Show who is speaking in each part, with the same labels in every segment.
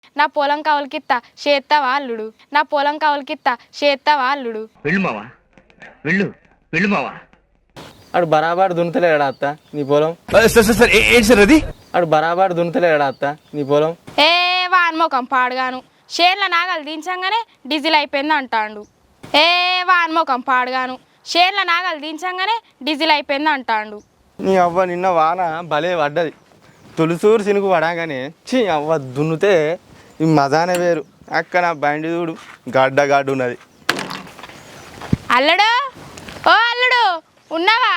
Speaker 1: నా పొలం కవులకిత్తా చేత్తవా అల్లుడు నా పొలం కవులకిత్తా చేత్తవా అల్లుడు
Speaker 2: వెళ్ళు మావా వెళ్ళు వెళ్ళు మావా.
Speaker 3: అడు బరాబర్ దున్నుతలేడా అత్త నీ పొలం?
Speaker 2: సార్ ఏంటి సార్ అది?
Speaker 3: అడు బరాబర్ దున్నుతలేడా అత్త నీ పొలం?
Speaker 1: ఏ వాన్మోకం పాడుగాను షేర్ల నాగలు దించంగానే డీజిల్ అయిపోయింది అంటాండు. ఏ వాన్మోకం పాడుగాను షేర్ల నాగలు దించంగానే డీజిల్ అయిపోయింది అంటాండు.
Speaker 3: నీ అవ్వ నిన్న వాన భలే పడ్డది. తులుసూరు సినుకు పడాగానే చీ అవ్వ దున్నుతే ఈ మజానే వేరు. అక్క నా బండి చూడు గడ్డ ఉన్నది.
Speaker 1: అల్లుడు ఓ అల్లుడు ఉన్నావా?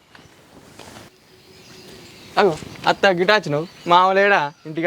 Speaker 3: అగో అత్త గిటాచినావు. మామలేడా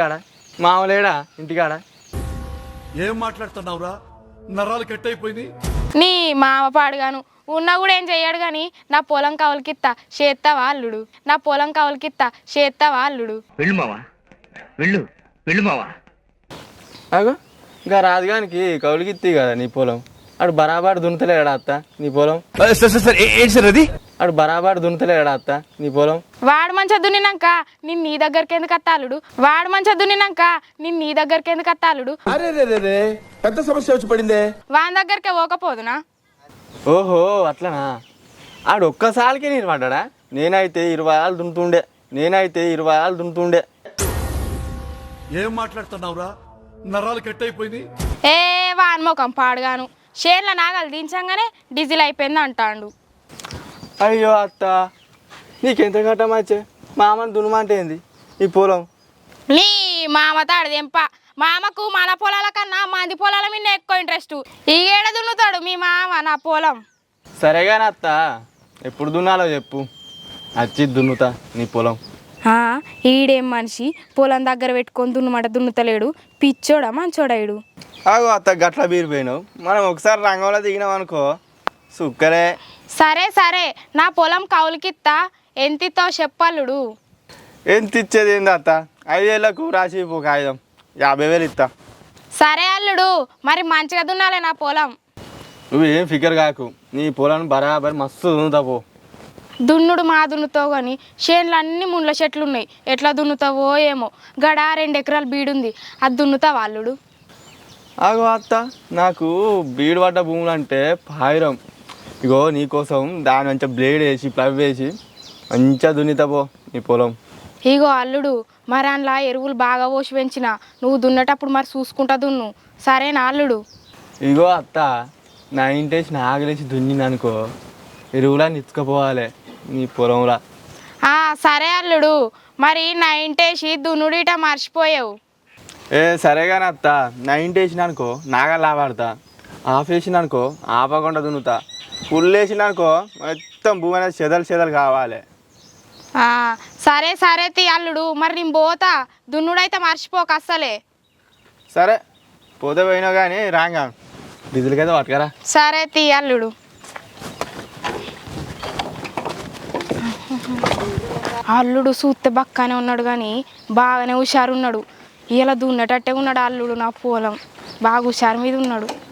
Speaker 3: ఇంటికాడ
Speaker 4: ఏం మాట్లాడుతున్నావురా? నరాలు కట్ అయిపోయింది.
Speaker 1: నీ మామ పాడుగాను ఉన్నా కూడా ఏం చెయ్యాడు కానీ నా పొలం కవులకిత్తా చేత్తవా అల్లుడు నా పొలం కవులకిత్తా చేత్తవా అల్లుడు.
Speaker 2: వెళ్ళు మావా వెళ్ళు వెళ్ళు మావా.
Speaker 3: అగో ఇంకా రాజుగానికి కౌలుకిత్తి కదా నీ పొలం. అడు బరాబర్ దున్నుతలేడా అత్త నీ పొలం?
Speaker 2: సార్ ఏంటి సార్ అది?
Speaker 3: అడు బరాబర్ దున్నుతలేడా అత్త నీ పొలం?
Speaker 1: వాడు మంచిగా దున్నినాక నిన్ను నీ దగ్గరికి ఎందుకు అత్తాలుడు వాడు మంచిగా దున్నినాక నిన్ను నీ దగ్గరికి ఎందుకు అత్తాలుడు?
Speaker 4: అరే పెద్ద సమస్య వచ్చి పడిందే.
Speaker 1: వాని దగ్గరికే పోకపోదునా?
Speaker 3: ఓహో అట్లనా? ఆడు ఒక్కసారికి నేను పడ్డా. నేనైతే 20 ఆలు దున్నుతుండే.
Speaker 4: ఏం మాట్లాడుతున్నావురా? నరాలు కట్ అయిపోయింది.
Speaker 1: ఏ వాన్మోకం పాడుగాను షేర్ల నాగలు దించంగానే డీజిల్ అయిపోయింది అంటాండు.
Speaker 3: అయ్యో అత్త నీకెంత కట్టమచ్చే మామని దున్నమంటే ఏంది ఈ పొలం?
Speaker 1: నీ మామ తాడదెంప మామకు మన పొలాల కన్నా మంది పొలాల మీద ఎక్కువ ఇంట్రెస్ట్. ఈ ఏడ దున్నుతాడు మీ మామ నా పొలం.
Speaker 3: సరేగాని అత్త ఎప్పుడు దున్నాలో చెప్పు, వచ్చి దున్నుతా నీ పొలం.
Speaker 1: ఈడేం మనిషి పొలం దగ్గర పెట్టుకొని దున్నుమాట దున్నుతలేడు. పిచ్చోడా మంచోడా ఈడు?
Speaker 3: ఆగో అత్త గట్ల బీరిపోయినావు. మనం ఒకసారి రంగంలో దిగినాం అనుకో సుక్కరే.
Speaker 1: సరే సరే నా పొలం కౌలుకిత్తా ఎంతితో చెప్పల్లుడు.
Speaker 3: ఎంత ఇచ్చేది ఏంది అత్త? 5 ఏళ్లకు రాసి ఒక కాగితం 50,000 ఇస్తా.
Speaker 1: సరే అల్లుడు మరి మంచిగా దున్నాలే నా పొలం.
Speaker 3: నువ్వేం ఫికర్ కాకు, నీ పొలం బరాబర్ మస్తు దున్నుతా పో.
Speaker 1: దున్నుడు మా దున్నుతావు కానీ చేనులు అన్ని ముండ్ల చెట్లు ఉన్నాయి. ఎట్లా దున్నుతావో ఏమో. గడ 2 ఎకరాలు బీడుంది, అది దున్నుతావా అల్లుడు?
Speaker 3: ఆగో అత్త నాకు బీడు పడ్డ భూములు అంటే పాయిరం. ఇగో నీకోసం దాని మంచిగా బ్లేడ్ వేసి ప్లవ్ వేసి మంచిగా దున్నితా పో నీ పొలం.
Speaker 1: ఇగో అల్లుడు మరి అందులో ఎరువులు బాగా పోసి పెంచిన నువ్వు దున్నేటప్పుడు మరి చూసుకుంటా దున్ను, సరేనా అల్లుడు?
Speaker 3: ఇగో అత్త నా ఇంటేసి నాగలేసి దున్నిననుకో ఎరువులా నిచ్చుకపోవాలి నీ పొలంలా.
Speaker 1: సరే అల్లుడు మరి నా ఇంటేసి దున్నుడు ఇట మర్చిపోయావు.
Speaker 3: సరే కానీ అత్త నా ఇంటేసిన అనుకో నాగల్లా వాడతా, ఆఫ్ వేసిన అనుకో ఆపకుండా దున్నుతా, ఫుల్ వేసిన అనుకో మొత్తం భూమి అనేది చెదలు కావాలి.
Speaker 1: సరే సరే తీ అల్లుడు మరి నేను పోతా, దున్నుడైతే మర్చిపోక అస్సలే.
Speaker 3: సరే పోతే పోయినావు కానీ రాంగా డీజిల్కైతే పట్టుకరా.
Speaker 1: సరే తీ అల్లుడు. అల్లుడు చూస్తే బక్కనే ఉన్నాడు కానీ బాగానే హుషారు ఉన్నాడు. ఇలా దున్నేటట్టే ఉన్నాడు అల్లుడు. నా పొలం బాగా హుషారు మీద ఉన్నాడు.